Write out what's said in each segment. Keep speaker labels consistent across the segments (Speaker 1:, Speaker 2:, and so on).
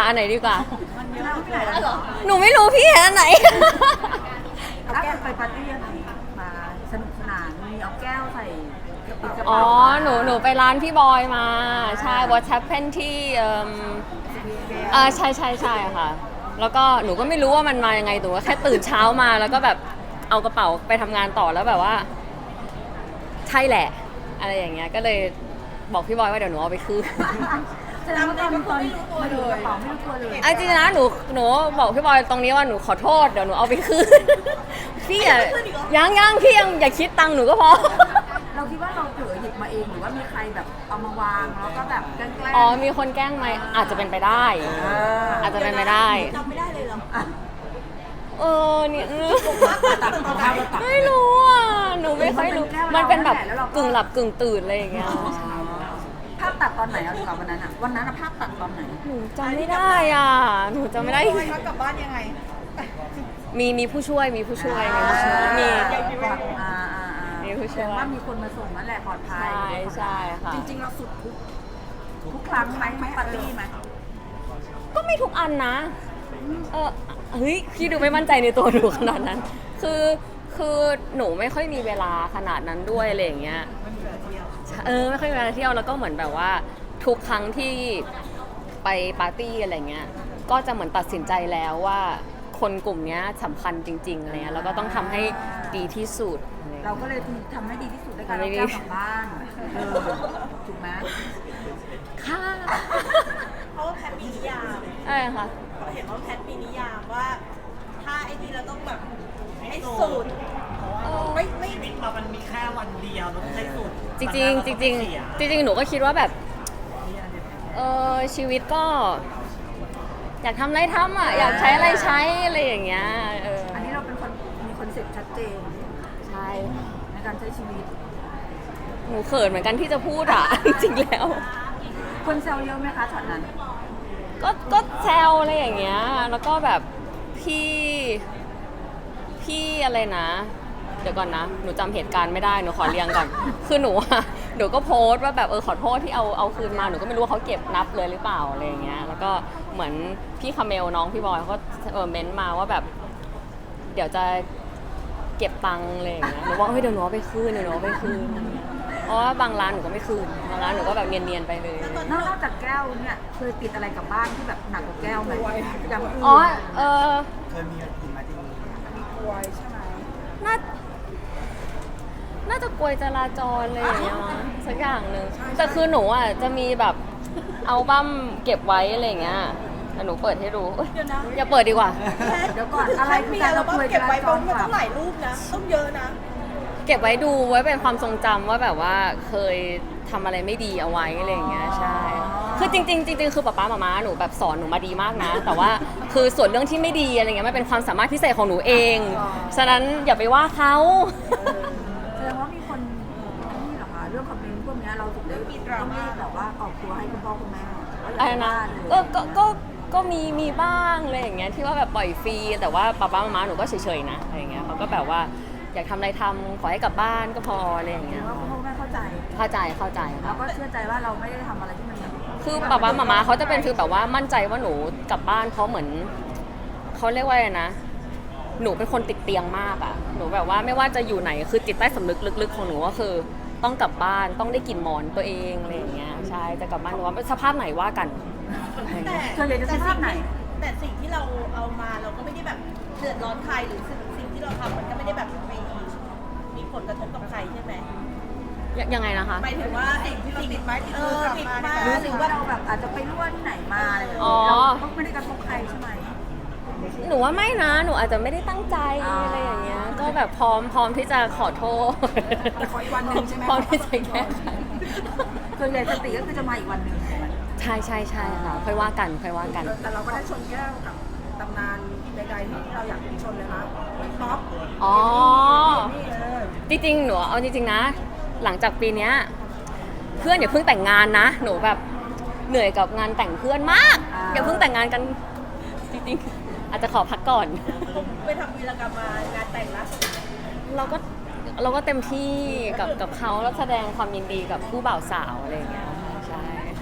Speaker 1: อันไหนดีกว่า
Speaker 2: มันเยอะไม่ได้หรอ
Speaker 1: หนูไม่รู้พี่เห็นอันไหน
Speaker 2: เอาแก้วไปปาร์ตี้อะไรมาสนุกสนานมีเอาแก้วใส่กระเป๋า
Speaker 1: อ๋อหนูไปร้านพี่บอยมาใช่ What Happened ที่ใช่ใช่ใช่ค่ะแล้วก็หนูก็ไม่รู้ว่ามันมายังไงหนูก็แค่ตื่นเช้ามาแล้วก็แบบเอากระเป๋าไปทำงานต่อแล้วแบบว่าใช่แหละอะไรอย่างเงี้ยก็เลยบอกพี่บอยว่าเดี๋ยวหนูเอาไปคืน
Speaker 2: แสดงว่าตอนไม่รู้ตัวเลยกระเป๋าไม่รู้ตัวเลย
Speaker 1: เอาจริงนะหนูบอกพี่บอยตรงนี้ว่าหนูขอโทษเดี๋ยวหนูเอาไปคืน พี่อะยังพี่ยังอย่าคิดตังค์หนูก็พอ
Speaker 2: เราคิดว่าเราเผลอหยิบมาเองหรือว่ามีใครแบบเอามาวางแล้วก็แบบแกล้ง
Speaker 1: อ๋อมีคนแกล้งไหมอาจจะเป็นไปได้ อาจจะเป็นไปได้
Speaker 2: จำไม่ได้เลยเหรอ
Speaker 1: เนี่ย
Speaker 2: ตัด
Speaker 1: ไม่รู้อ่ะหนูไม่ค่อยรู้ มันเป็นแบบกึ่งหลับกึ่งตื่นอะไรอย่างเงี้ย
Speaker 2: ภาพตัดตอนไหนเอาดีกว่าวันนั้นอะวันนั้นอะภาพตัดตอนไหน
Speaker 1: หนูจำไม่ได้อ่ะหนูจำไม่ได้
Speaker 2: กลับบ้านยังไง
Speaker 1: มีผู้ช่วยมีผู้ช่วยมี มีผู้ช่วย
Speaker 2: ว่ามีคนมาส่งนั่นแหละปลอดภัย
Speaker 1: ใช่ค่ะ
Speaker 2: จริงๆเราสุดทุกครั้งไหมปาร์ตี้ไหม
Speaker 1: ก็ไม่ทุกอันนะ เฮ้ยพี่ดูไม่มั่นใจในตัวหนูขนาดนั้น คือหนูไม่ค่อยมีเวลาขนาดนั้นด้วยอะไรอย่างเงี้ยไม่ค่อยมีเวลาเที่ยวแล้วก็เหมือนแบบว่าทุกครั้งที่ไปปาร์ตี้อะไรเงี้ยก็จะเหมือนตัดสินใจแล้วว่าคนกลุ่มนี้สำคัญจริงๆอะไรเงี้ยแล้วก็ต้องทำให้ดีที่สุด
Speaker 2: เราก็เลยทำให้ดีที่สุดในการเอาแก้วกลับบ้านถูกไหม
Speaker 1: ค่ะ
Speaker 3: เพราะว่าแพทมีนิยาม
Speaker 1: ใช่ค่ะ
Speaker 3: เห็นว่าแพทมีนิยามว่า ถ้าไอ้นี่เราต้องแบบให้สุดไม่
Speaker 4: ชีวิตเรามันมีแค่วันเดียวเราต้องใช้สุด
Speaker 1: จริงๆจริงๆจริงๆหนูก็คิดว่าแบบชีวิตก็ อยากทำอะไรทำอ่ะอยากใช้อะไรใช้อะไรอย่างเงี้ย
Speaker 2: อันนี้เราเป็นคนมีคอนเซ็ปต์ชัดเจน
Speaker 1: ใช่
Speaker 2: ในการใช้ชีวิต
Speaker 1: หนูเขินเหมือนกันที่จะพูดอ่ะ จริงๆแล้ว
Speaker 2: คนแซวเยอะไหมคะช็อตนั้น
Speaker 1: ก็แซวอะไรอย่างเงี้ยแล้วก็แบบพี่อะไรนะ เดี๋ยวก่อนนะหนูจำเหตุการณ์ไม่ได้หนูขอเรียงก่อน คือหนูก็โพสต์ว่าแบบขอโทษที่เอาคืนมาหนูก็ไม่รู้ว่าเขาเก็บนับเลยหรือเปล่าอะไรอย่างเงี้ยแล้วก็เหมือนพี่คาเมลน้องพี่บอยเขาก็เม้นต์มาว่าแบบ เดี๋ยวจะเก็บตังค์อะไรอย่างเงี้ยหนูว่าเฮ้ยเดี๋ยวหนูเอาไปคืนเพราะว่าบางร้านหนูก็ไม่คืนบางร้านหนูก็แบบเนียนๆไปเลย
Speaker 2: นอกจากแก้วเนี่ยเคยติดอะไรกลับบ้านที่แบบหนักกว่าแก้วไหมอย่างอื่น
Speaker 1: อ๋อ
Speaker 4: เคยมีกี่มาจริง
Speaker 2: มีกลวยใช่ไหม
Speaker 1: น่าจะกลวยจราจรอะไรอย่างเงี้ยมั้งสักอย่างหนึ่งแต่คือหนูอ่ะจะมีแบบอัลบั้มเก็บไว้อะไรอย่างเงี้ยแต่หนูเปิดให้ดูอย่าเปิดดีกว่า
Speaker 2: เดี๋ยวก่อนอะไรคือการ
Speaker 3: เรา
Speaker 2: กลวย
Speaker 3: เก็บไว้
Speaker 2: จ
Speaker 3: บ
Speaker 2: ร
Speaker 3: นมันต้องหลายรูปนะ ต้องเยอะนะ
Speaker 1: เก็บไว้ดูไว้เป็นความทรงจำว่าแบบว่าเคยทำอะไรไม่ดีเอาไว้อะไรอย่างเงี้ยใช่คือจริงๆคือป๊าป๊ามาหนูแบบสอนหนูมาดีมากนะ แต่ว่าคือส่วนเรื่องที่ไม่ดีอะไรเงี้ยมันเป็นความสามารถพิเศษของหนูเองฉะนั้นอย่าไปว่าเขา
Speaker 2: แสดงว่ามีคนนี่เหรอคะเรื่องคอมเมนต์พวกนี้เราถึงได้ต้องรีบแบบว่าออกตัวให้คุณพ่อคุณแม่ว่าอย่า
Speaker 1: อะไร
Speaker 2: ไป
Speaker 1: นะ
Speaker 2: ว่าเลย
Speaker 1: ก็มีบ้างอะไรอย่างเงี้ยที่ว่าแบบปล่อยฟรีแต่ว่าป๊าป๊ามาหนูก็เฉยๆนะอะไรอย่างเงี้ยเขาก็แบบว่าอยากทำอะไรทำขอให้กลับบ้านก็พออะไรอย่าง
Speaker 2: หรื
Speaker 1: เงี้
Speaker 2: อย ว่าคุณพ่อคุณแม่เข้าใจ
Speaker 1: เข้าใจค
Speaker 2: เรา
Speaker 1: รับ
Speaker 2: ก็เชื่อใจว่าเราไม่ได้ทำอะไรที่มัน
Speaker 1: คือป๊าป๊ามาเขาจะเป็นคือแบบว่ามั่นใจว่าหนูกลับบ้านเพราะเหมือนเขาเรียกว่าอะไรนะหนูเป็นคนติดเตียงมากอ่ะหนูแบบว่าไม่ว่าจะอยู่ไหนคือจิตใต้สำนึกลึกๆของหนูก็คือต้องกลับบ้านต้องได้กลิ่นหมอนตัวเองอะไรอย่างเงี้ยใช่จะกลับบ้านหนูว่าสภาพไหนว่ากัน
Speaker 2: ส่วนใหญ่จะสภาพไหน
Speaker 3: แต่สิ่งที่เราเอามาเราก็ไม่ได้แบบเดือดร้อนใครหรือสิ่งที่เราทำมันก็ไม่ได้แบบมีผลกระทบกับใครใช่ไหม
Speaker 1: ยังไงนะคะ
Speaker 3: หมายถึงว่าสิ่งที่เราติดไม้ติดมือกลับมา
Speaker 2: หรือว่าเราแบบอาจจะไปรั่วที่ไหนมาอะไรอย่าง
Speaker 1: อ๋
Speaker 2: เงี้
Speaker 1: อ
Speaker 2: ยเราก็ไม่ได้กระทบใครใช่ไหม
Speaker 1: หนูว่าไม่นะหนูอาจจะไม่ได้ตั้งใจอะไรอย่างเงี้ยก็แบบพร้อมที่จะขอโทษ
Speaker 2: แต่ขออีกวันหนึ่งใช่ไหม
Speaker 1: พร้อมที่จะแก้ไข
Speaker 2: ส่วนใหญ่สติก็คือจะมาอีกวันหนึ่ง
Speaker 1: ใช่ค่ะค่อยว่ากัน
Speaker 2: แต่เราก็ได้ชนแก้วกับตำนานใดๆที่เราอยากชนเลยนะท็อป
Speaker 1: อ๋อ
Speaker 2: นี่
Speaker 1: จริงๆหนูเอาจริงๆนะ หลังจากปีเนี้ยเพื่อนอย่าเพิ่งแต่งงานนะหนูแบบเหนื่อยกับงานแต่งเพื่อนมากอย่าเพิ่งแต่งงานกันจริงๆอาจจะขอพักก่อน
Speaker 3: ไปทำวีรกรรมมางานแต่งล่าสุด
Speaker 1: เราก็เต็มที่กับเขาแล้วแสดงความยินดีกับผู้บ่าวสาวอะไรอย่างเงี้ยใช่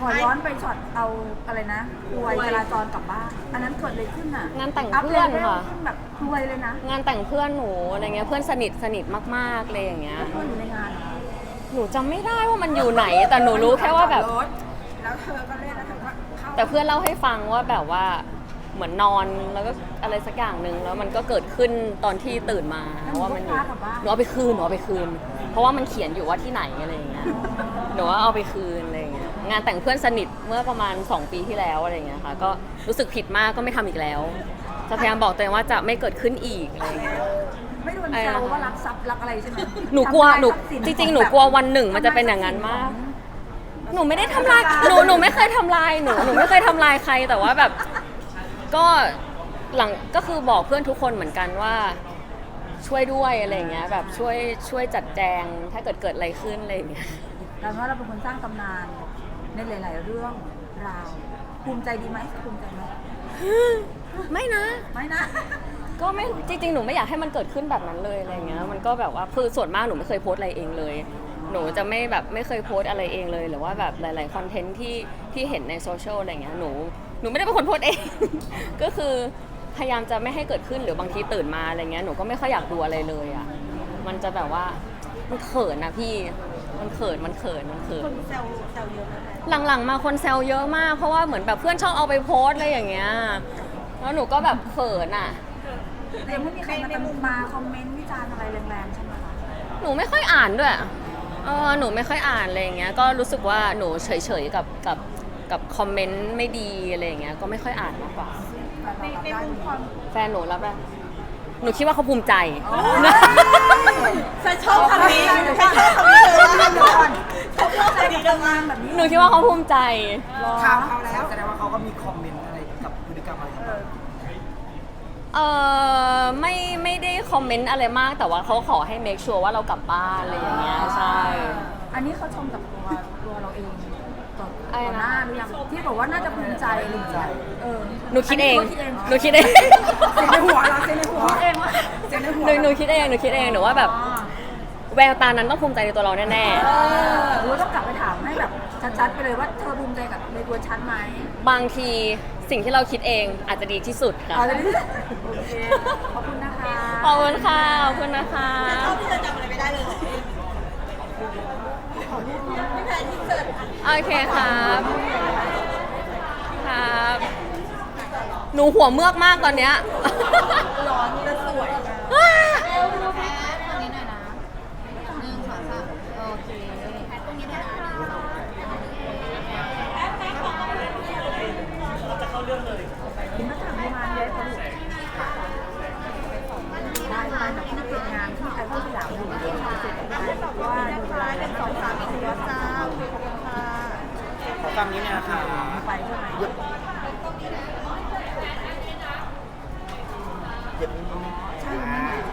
Speaker 2: ขอย้อนไปช็อตเอาอะไรนะรวยจราจรกลับบ้านอันนั้นเกิดอะไรขึ้นอ่ะ
Speaker 1: งานแต่งเพื่อนค่ะ
Speaker 2: ขึ้นแบบรวยเลยนะ
Speaker 1: งานแต่งเพื่อนหนูอะไรเงี้ยเพื่อนสนิทมากๆเลยอย่างเงี้ย
Speaker 2: เพื่อนอยู่ในงาน
Speaker 1: หนูจำไม่ได้ว่ามันอยู่ไหน แต่หนูรู้แค่ว่าแบบ
Speaker 2: แล้วเธอก็เล่นแล้วเธอก็เข้า
Speaker 1: แต่เพื่อนเล่าให้ฟังว่าแบบว่าเหมือนนอนแล้วก็อะไรสักอย่างหนึ่งแล้วมันก็เกิดขึ้นตอนที่ตื่นมาว่ามันอยู่หนูเอาไปคืนเพราะว่ามันเขียนอยู่ว่าที่ไหนอะไรอย่างเงี้ยหนูว่าเอาไปคืนอะไรอย่างเงี้ยงานแต่งเพื่อนสนิทเมื่อประมาณ2 ปีที่แล้วอะไรอย่างเงี้ยค่ะก็รู้สึกผิดมากก็ไม่ทำอีกแล้วจะพยายามบอกตัวเองว่าจะไม่เกิดขึ้นอีกอะไรอย่างเงี้ย
Speaker 2: ไม่โดนแซวว่ารักทรัพย์รักอะไรใช่ไหม
Speaker 1: หนูกลัวหนู
Speaker 2: ทำลายทรัพย์สิน
Speaker 1: จริงๆหนูกลัววันหนึ่งมันจะเป็นอย่างนั้นมาก หนูไม่ได้ทำลายหนูไม่เคยทำลายหนูไม่เคยทำลายใครแต่ว่าแบบก็หลังก็คือบอกเพื่อนทุกคนเหมือนกันว่าช่วยด้วยอะไรอย่างเงี้ยแบบช่วยจัดแจงถ้าเกิดอะไรขึ้นอะไรอย่างเงี้ย
Speaker 2: แต่ว่าเราเป็นคนสร้างตำนานในหลาย ๆ เรื่องราวภูมิใจดีไหมภูมิใจไหม
Speaker 1: ไม่นะ
Speaker 2: ไม่นะ
Speaker 1: ก็ไม่จริงๆหนูไม่อยากให้มันเกิดขึ้นแบบนั้นเลยอะไรอย่างเงี้ยมันก็แบบว่าคือส่วนมากหนูไม่เคยโพสต์อะไรเองเลย หนูจะไม่แบบไม่เคยโพสต์อะไรเองเลยหรือว่าแบบหลายๆคอนเทนต์ที่เห็นในโซเชียลอะไรเงี้ยหนูไม่ได้เป็นคนโพสต์เอง ก็คือพยายามจะไม่ให้เกิดขึ้นหรือบางทีตื่นมาอะไรเงี้ยหนูก็ไม่ค่อยอยากดูอะไรเลยอ่ะมันจะแบบว่ามันเขินนะพี่มันเขิน
Speaker 3: คนแซวเยอะไหมแม่
Speaker 1: หลังๆมาคนแซวเยอะมากเพราะว่าเหมือนแบบเพื่อนชอบเอาไปโพสต์อะไรอย่างเงี้ยแล้วหนูก็แบบเขินอ่ะ
Speaker 2: แต่ยังไม่มีใครมาคอมเมนต์วิจารณ์อะไรแรงๆใช่ไหมคะ
Speaker 1: หนูไม่ค่อยอ่านด้วยหนูไม่ค่อยอ่านอะไรอย่างเงี้ย ก็รู้สึกว่าหนูเฉยๆกับคอมเมนต์ไม่ดีอะไรอย่างเงี้ย ก็ไม่ค่อยอ่านมากกว่า
Speaker 3: ในมุมความ
Speaker 1: แฟนหนูรับได้หนูคิดว่าเขาภูมิใจ
Speaker 3: ฉันชอบคำนี้ฉันชอบคำนี้เลยฉันชอบคำนี้เลย
Speaker 2: งานแบบนี้
Speaker 1: หนูคิดว่าเขาภูมิใจ
Speaker 4: ข่าวเขาแล้วแสดงว่าเขาก็มีคอมเมนต์อะไรกับพฤติกรรมอะไรของเรา
Speaker 1: ไม่ได้คอมเมนต์อะไรมาก แต่ว่าเขาขอให้ make sure ว่าเรากลับบ้านอะไรอย่างเงี้ย ใช่
Speaker 2: อันนี้เขาชมกับตัวเราเองต่อ
Speaker 1: อะไรนะ
Speaker 2: หน้าหรือยังที่บอกว่าน่าจะภูมิใจอะไรอย่างเงี้ย
Speaker 1: หนูคิดเอง
Speaker 2: นนี้
Speaker 1: หนูคิดเอง
Speaker 2: เสียงในหัวเราเสียงในหัวเองว่าเสียงในหัว
Speaker 1: หนูคิดเองหนูว่าแบบแววตานั้นต้องภูมิใจในตัวเราแน่ๆ
Speaker 2: หรือว่าต้องกลับไปถามให้แบบชัดๆไปเลยว่าเธอภูมิใจกับในตัวฉันไหม
Speaker 1: บางทีสิ่งที่เราคิดเองอาจจะดีที่สุดค่ะ
Speaker 2: เอาเลยโอเคขอบคุณนะคะ
Speaker 1: ขอบคุณค่ะ ขอบคุณนะคะ
Speaker 3: ชอบที่เธอจำอะไรไม่ได้เลยไม่แพ้ที่เจอ
Speaker 1: โอเคครับ ครับ หนูหัวเมือกมากตอนเนี้ย
Speaker 3: ร้อนและสวย
Speaker 2: คุณนักข่าวงานเยอะจังเลยได้ไปแบบที่เป็นงานที่ไอคอนสยามอยู่เสร็จได้แบบว่าดูเวลา
Speaker 3: เป็น2-3 4จ้าขอบคุณค่ะ
Speaker 4: ขอฟังนี้เนี่ยนะคะ
Speaker 2: ไปใช่ไหม
Speaker 4: เย็บนิดนึง
Speaker 2: ใช่ไหม